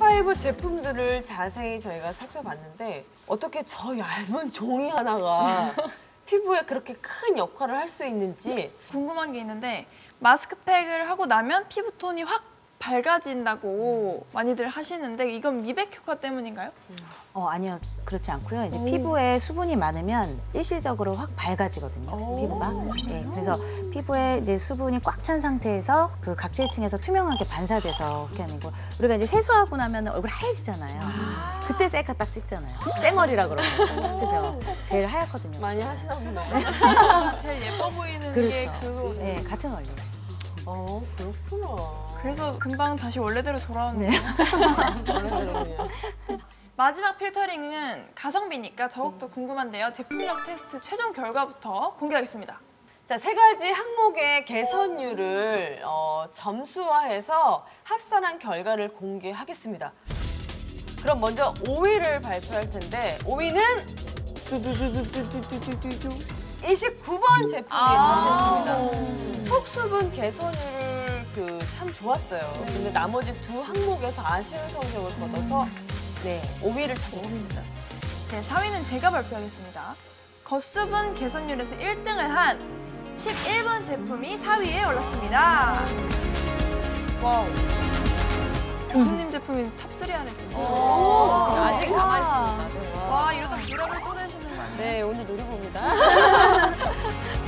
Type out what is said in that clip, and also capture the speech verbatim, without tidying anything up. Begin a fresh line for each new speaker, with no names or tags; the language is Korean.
파이브 제품들을 자세히 저희가 살펴봤는데 어떻게 저 얇은 종이 하나가 피부에 그렇게 큰 역할을 할 수 있는지
궁금한 게 있는데 마스크팩을 하고 나면 피부톤이 확 밝아진다고 많이들 하시는데 이건 미백 효과 때문인가요?
어, 아니요. 그렇지 않고요. 이제
오.
피부에 수분이 많으면 일시적으로 확 밝아지거든요.
오.
피부가. 네, 그래서 피부에 이제 수분이 꽉 찬 상태에서 그 각질층에서 투명하게 반사돼서 그렇게 하는 거. 우리가 이제 세수하고 나면 얼굴 하얘지잖아요.
아.
그때 셀카 딱 찍잖아요. 쌩얼이라 그러고. 그죠? 제일 하얗거든요.
많이 하시나 보네요.
제일 예뻐 보이는
그렇죠.
게 그거.
네, 같은 원리예요.
어, 그렇구나.
그래서 금방 다시 원래대로 돌아오는
네.
원래대로네요.
마지막 필터링은 가성비니까 더욱더 궁금한데요. 제품력 테스트 최종 결과부터 공개하겠습니다.
자, 세 가지 항목의 개선율을 어, 점수화해서 합산한 결과를 공개하겠습니다. 그럼 먼저 오 위를 발표할 텐데 오 위는 두두두두두두두두두 이십구 번 제품이
아
차지했습니다. 속수분 개선율을 그 참 좋았어요. 근데 나머지 두 항목에서 아쉬운 성적을 거둬서 네, 오 위를 차지했습니다.
네, 사 위는 제가 발표하겠습니다. 겉수분 개선율에서 일 등을 한 십일 번 제품이 사 위에 올랐습니다. 와우. 교수님 제품이 탑삼 안에 들어요.
오,
아직 남아있습니다.
와, 이러다 불화를 또 내시는 거 아니에요?
네, 오늘 노려봅니다.